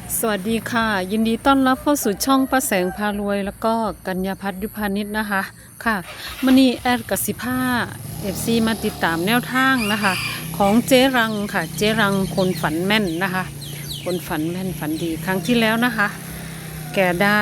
สวัสดีค่ะยินดีต้อนรับเข้าสู่ช่องป้าแสงพารวยแล้วก็กัญญาพัฒน์ยุพานิชนะคะค่ะมื้อนี้แอดกสิภาFCมาติดตามแนวทางนะคะของเจ๊รังค่ะเจ๊รังคนฝันแม่นนะคะคนฝันแม่นฝันดีครั้งที่แล้วนะคะแกได้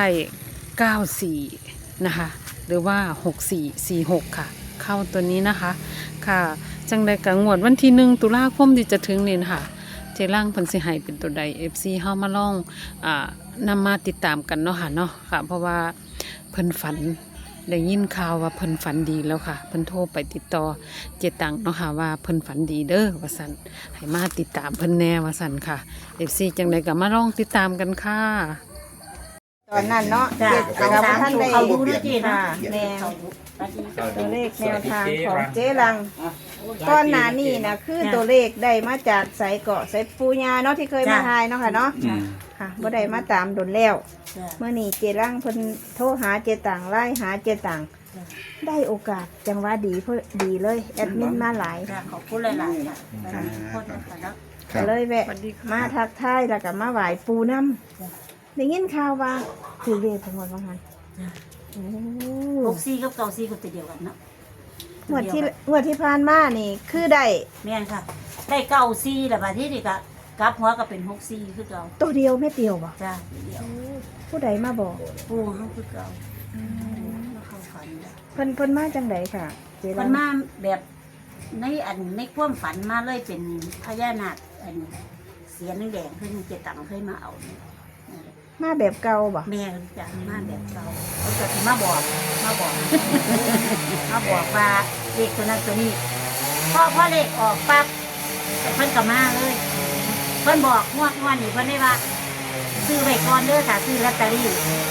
94นะคะหรือว่า6446ค่ะเข้าตัวนี้นะคะค่ะจังใดกังวดวันที่1 ตุลาคมที่จะถึงนี่ค่ะเจรังเพิ่นสิให้เป็นตัวใด FC เฮามาลองนำมาติดตามกันเนาะค่ะเนาะค่ะเพราะว่าเพิ่นฝันได้ยินข่าวว่าเพิ่นฝันดีแล้วค่ะเพิ่นโทรไปติดต่อเจตังเนาะค่ะว่าเพิ่นฝันดีเด้อว่าซั่นให้มาติดตามเพิ่นแน่ว่าซั่นค่ะ FC จังใดก็มาลองติดตามกันค่ะตอนนั้นเนาะจ้ะเจ็ดกับท่านได้เขาดูด้วยจีนะแม่ตัวเลขแนวทางของเจ๊รังก้อนหนานี่นะคือตัวเลขได้มาจากสายเกาะสายปูญาเนาะที่เคยมาทายเนาะค่ะเนาะค่ะบ่ได้มาตามดนแล้วเมื่อนี้เจรังเพิ่นโทรหาเจตังไล่หาเจตังได้โอกาสจังหวะดีเพื่อดีเลยแอดมินมาหลายขอบคุณหลายๆค่ะคนนะคะเนาะก็เลยแวะมาทักทายแล้วก็มาไหว้ปูน้ำได้ยินข่าวว่าคือเลขทั้งหมดว่างั้นโอ้ 64กับ94ก็ตัวเดียวกันเนาะงวดที่ผ่านมานี่คือได้แม่นค่ะ ได้94แล้วบัดนี้นี่ก็กลับหัวก็เป็น64คือเก่าตัวเดียวเม็ดเดียวบ่จ้าเดียวผู้ใดมาบอกปูเฮาคือเก่ามาเข้าฝันเพิ่นมาจังไดค่ะเจรัมังนมาแบบในความฝันมาเลยเป็นพญานาคอันเสียนแดงๆเพิ่นเจตังเคยมาเอาเนี่ยมาแบบเก่าบ่แม่จะมาแบบเก่าเขาจะมาบอกมาบอก มาบอกว่าเลขตัวนั้นตัวนี้พอเลขออกปั๊บเพิ่นก็มาเลยเพิ่นบอกงวดนี่เพิ่นได้ว่าซื้อไว้ก่อนเด้อค่ะซื้อลอตเตอรี่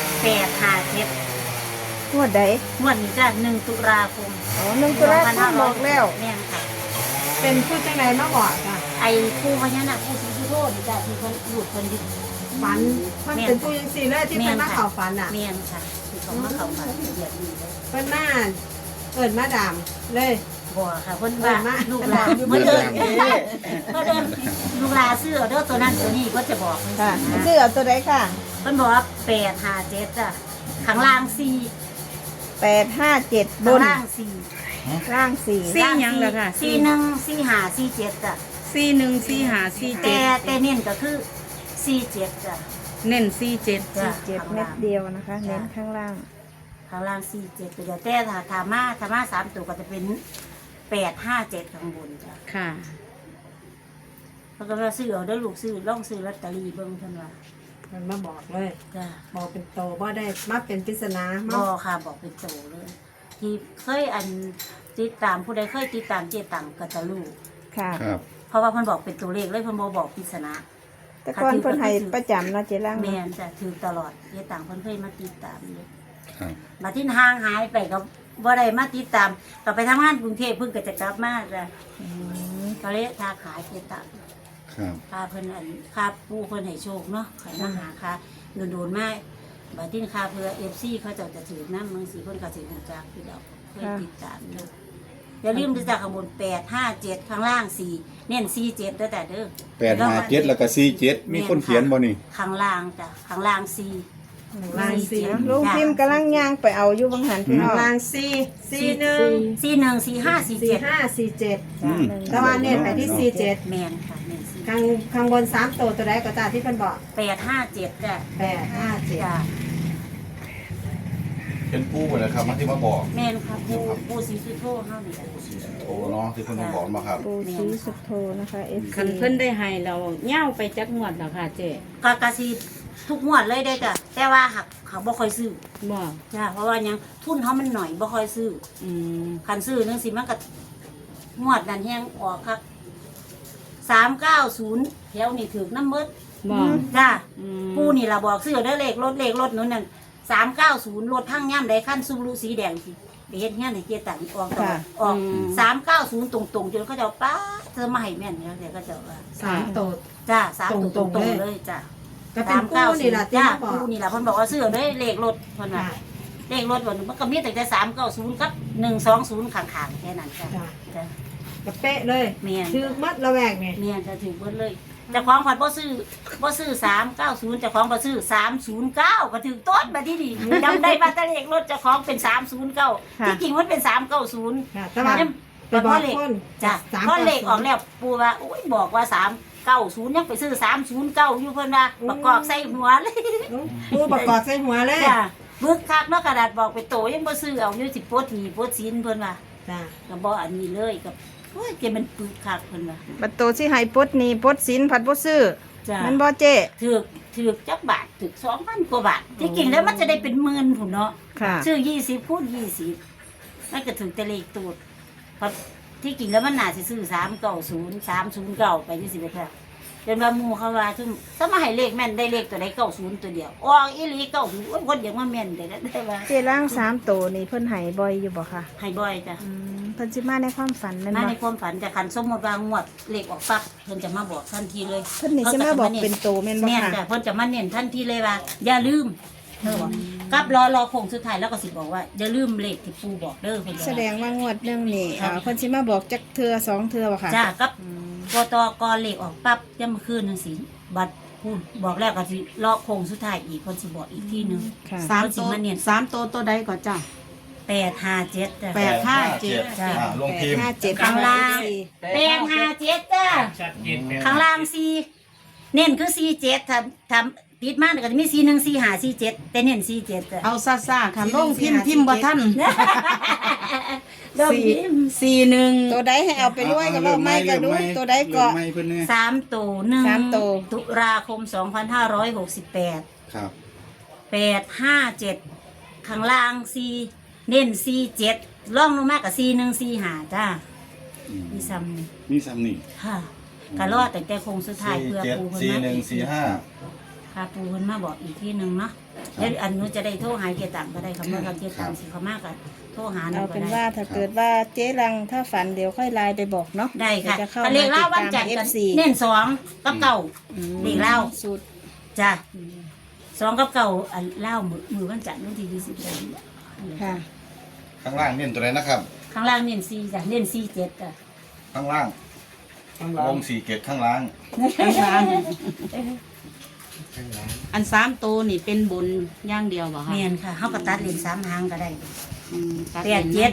857 งวดใดงวดนี้จ้ะ1 ตุลาคมอ๋อ1 ตุลาคมบอกแล้วแม่นค่ะเป็นผู้จังไดมาบอกค่ะไอ้ผู้พญานาคผู้ศรีสุโธนี่จ้ะที่เพิ่นหลุดเพิ่นยึดฝันมันเป็นผู้ยังสี่เลยที่เป็นมาเข่าฝันอ่ะแม่นค่ะที่เขามาเข้าฝันละเอียดดีเลยเป็นมาเปิดมาดามเลยบ่ค่ะเพิ่นว่ามาลูกหลานเพิ่นเดินลูกหลานซื้อเอาเด้อตัวนั้นตัวนี้ก็จะบอกค่ะชื่อเอาตัวใดค่ะเพิ่นบอกว่า857จ้ะข้างล่าง4 857บข้างนล่าง4 ล่าง4 สี่หยังเหรอคะ 41 45 47จ้ะ 414547 แต่เน้นก็คือ47จ้ะเน้น47 จ้ะ 7เม็ดเดียวนะคะ เน้นข้างล่างข้างล่าง47ตัวเดียวแต่ถ้ามา3ตัวก็จะเป็น857ข้างบนจ้ะค่ะเพราะก็ว่าซื้อเอาเด้อลูกซื้อลองซื้อลอตเตอรี่เบิ่งเพิ่นว่ามันมาบอกเลยจ้ะบอกเป็นโตว่าได้มาเป็นปริศนาบมาอค่ะบอกเป็นโตเลย ที่เคยติดตามผู้ใดเคยติดตามเจตังก็จะรู้ค่ะครับเพราะว่าเพิ่นบอกเป็นตัวเลขเลยเพิ่นบ่บอกปริศนาแต่ก่อนเพิ่นให้ประจำเนาะเจรังแม่นจะถือตลอดเจตังเพิ่นเคยมาติดตามอยู่ครับมาที่ห่างหายไปก็บ่ได้มาติดตามก็ไปทำงานกรุงเทพเพิ่นก็จะกลับมาจ้ะก็เลยทาขายเจตังครับค่าเพิ่นค่าปูเพิ่นให้โชคเนาะให้มาหาค่าโดนๆมาบัดนี้ค่าเพื่อ FC เขาเจ้าจะถือนำบางสิเพิ่นก็สิรู้จักพี่ดอกเคยติดตามอยู่ อย่าลืมที่จะข้างบน857ข้างล่าง4เน้น47เด้อแต่เด้อ 857แล้วก็47มีคนเขียนบ่นี่ข้างล่างจ้ะข้างล่าง4 ลางสี่ลุงพิมพ์กำลังย่างไปเอาอยู่บางหันพี่น้องลางสี่สี่หนึ่ง 41 45 สี่ 47 ห้าสี่เจ็ดอืมแต่ว่าเนี่ยไปที่สี่เจ็ดแม่นค่ะแม่นข้างบน3ตัวใดก็ตามที่เป็นบอก 857จ้ะ 857 จ้ะเป็นปู่หมดแล้วครับมาที่มาบอกแม่นค่ะผู้ศรีสุโธเฮานี่แหละโอ้เนาะที่เพิ่นมาบอกมาครับปูชีสุโธนะคะ FC คันเพิ่นได้ให้เราเหย้าไปจักงวดแล้วค่ะเจ๊กะสิทุกงวดเลยได้อจ้ะแต่ว่าหักเขาบ่ค่อยซื้อบ่จ้ะเพราะว่าหยังทุนเขามันหน่อยบ่ค่อยซื้ออืมคันซื้อนึงสิมันก็งวดนั้นแฮงออกครับ390แถวนี่ถึกน้ำเบิดบ่จ้าอืมปูนี่ล่ะบอกซื้อเด้อเลขรถนู้นนั่น390รถทั้งย่ำใดขั้นซูรุสีแดงสิไปเฮ็ดเงี้ยในเกียร์ตังออกต่อออก390ตรงๆจนเขาเจ้าป้าเธอมาให้แม่นเนี่ยแต่ก็เจ้าว่า 3ตัวจ้า3ตตรรง งๆๆเลยจ้าก็เป็นกู้นี่แหละที่จ้ามาบอกปูนี่ล่ะเพิ่นบอกว่าซื้อเด้อเลขรถเพิ่นว่าค่ะเลขรถวันมันก็มีแต่390กับ120ข้างๆแค่นั้นจ้ะจ้ะจ้ะก็เป๊ะเลยแม่นคือมัดระแวกไงแม่นจะถึงเบิดเลยเจ้าของผัดบ่ซื้อ390เจ้าของบ่ซื้อ309ก็ถึงต้นมาที่นี่จำได้ว่าตะเลขรถเจ้าของเป็น309ที่จริงมันเป็น390 ค่ะแต่ว่าไปบพ่ออก เลขคนจ้ะสามพ่อเลขออกแล้วปู่ว่าโอ้ยบอกว่า390ยังไปซื้อ309อยู่เพิ่นว่าประกอบใส่หัวเลยปูประกอบใส่หัวเลยจ้ะบึกคักเนาะกระดาษบอกไปโตยังบ่ซื้อเอาอยู่สิปลดหนี้ปลดสินเพิ่นว่าจ้าก็บ่อันนี้เลยกับโอ้ยเกมันปึกคักเพิ่นว่าบัตรโตสิให้ปลดหนี้ปลดสินผัดบ่ซื้อจ้ะมันบ่เจ๊ถือกจักบาทถือก2,000กว่าบาทที่จริงแล้วมันจะได้เป็นหมื่นพุ่นเนาะค่ะซื้อ20คูณ20มันก็ถึงแต่เลขตูดเพราะที่จริงแล้วมันน่าสิซื้อ390 309ไปจังซี่ไปค่ะเป็นว่าหมู่เขาว่าซึ่งถ้ามาให้เลขแม่นได้เลขตัวใด90ตัวเดียวออกอีหลี90โอ้ยคนอย่างว่าแม่นได้ว่าเจ๊ล่าง3โตนี่เพิ่นให้บ่อยอยู่บ่ค่ะให้บ่อยจ้ะเพิ่นสิมาในความฝันแม่นมาบ่ในความฝันจะคันสมมติว่างวดเลขออกปั๊บเพิ่นจะมาบอกทันทีเลยเพิ่นนี่สิมาบอกเป็นโตแม่นบ่แม่นค่ะจ้ะเพิ่นจะมาเน้นทันทีเลยว่า อย่าลืมเธอบอกกับรอโค้งสุดท้ายแล้วก็สิบอกว่าอย่าลืมเลขที่ปู่บอกเด้อเพิ่นแสดงว่างวดหนึงนี่เพิ่นสิมาบอกจักเทื่อ2เทื่อบ่ค่ะจ้ากับกตกเลขออกปั๊บย่ำคืนจังซี่บัดพูดบอกแล้วก็สิรอโค้งสุดท้ายอีกเพิ่นสิบอกอีกทีหนึงค่ะสามตัวสามตัวตัวใดก่อนจ้ะ 857จ้ะ 857 จ้ะลงพิมพ์ 57 ข้างล่าง 857จ้ะข้างล่าง4เน้นคือ47ทำติดมาก็จะมี41 45 47แต่เน้น47จ้ะเอาซ่าๆค่ะลงพิมพ์บ่ทันเริ่มยิ้ม 41 ตัวใดให้เอาไปด้วยก็เริ่มไม่ก็ดูตัวใดก็ไม่เพิ่นแน่ 3ตัวหนึ่งสามตัวตุลาคม2568 ครับ 857ข้างล่าง4เน้น47ล่องลงมากับ41 45จ้าอืมมีซ้ำนี่มีซ้ำนี่ค่ะก็รอดแต่โคงสุดท้ายเพื่อปูเพิ่นมาอีกค่ะปูเพิ่นมาบอกอีกที่หนึงเนาะแล้วอันนู้นจะได้โทรหาเกียรติตังก็ได้ค่ะเมื่อเกียรติตังสิเขามากก็โทรหาหนูเอาก็เป็นได้ว่าถ้าเกิดว่าเจ๊รังถ้าฝันเดี๋ยวค่อยไลน์ไปบอกเนาะได้ค่ะเดี๋ยวจะเข้าก็มาเลขติดเล่าวันตามจันทร์กัน FC เน้น2กับเก่า เลขเล่าสุดจ้ะ2กับเก่าอันเล่ามือวันจันทร์วันที่20เดือนค่ะข้างล่างเน้นตัวไหนนะครับข้างล่างเน้น4จ้ะเน้น47จ้ะข้างล่างวง4เกตข้างล่างอัน3ตัวนี่เป็นบนอย่างเดียวบ่คะแม่นค่ะเฮาก็ตัดเลน3หางก็ได้ตัด 87 เลน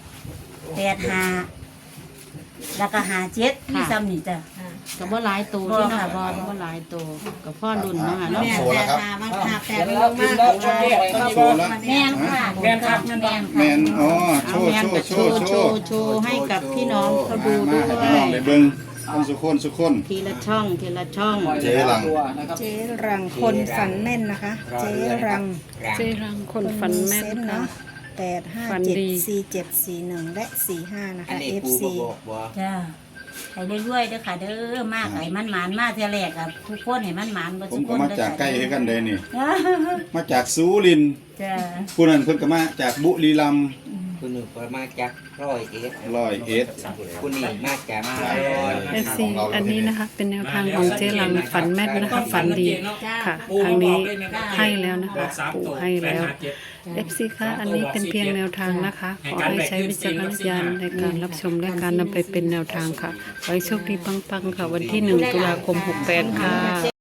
85แล้วก็57มีซ้ำนี่จ้ะก็บ่หลายตัวที่เนาะบ่หลายตัวกับพ่อรุ่นเนาะค่ะเนาะแม่โชว์แล้วครับมาหาแปดลงมากโชว์แล้วแม่นค่ะแม่นครับแม่นค่ะแมนอ๋อโชเอาว์แม่นโชก็ว์โชโชว์ว์ให้กับพี่น้องเขาดูด้มาวให้พี่น้องยได้เบิ่งคนสุคนทีละช่องทีละช่องเจ๊หลังเจ๊รังคนฝันแม่นนะคะ เจ๊รังเจรังคนฝันแม่นเซส์ค่ะเนาะ8 ฝัน 5 ดี 7 4 7 4 1 และ 45 นะคะ FC จ้ะให้เรื่อยๆเด้อค่ะเด้อมากให้มันหมานมาเท่าแรกอ่ะทุกคนให้มันหมานบ่ผทุมกคก็นมาเด้อจากใกล้ค่ะกันเลยนี่ มาจากสุรินทร์จ้ะผู้นั้นเพิ่นก็มาจากบุรีรัมย์คุณหนึ่งก็มาจาก101 101 คุณนี่มาจากเอฟซีอันนี้นะคะ เป็นแนวทางของเจรังฝันแม่นนะคะ ฝันดีค่ะทางนี้ให้แล้วนะคะปู่ให้แล้วเอฟซีค่ะอันนี้เป็นเพียงแนวทางนะคะขอให้ใช้วิจารณญาณในการรับชมและการนำไปเป็นแนวทางค่ะไว้โชคดีปังๆค่ะ วันที่ 1 ตุลาคม 68 ค่ะ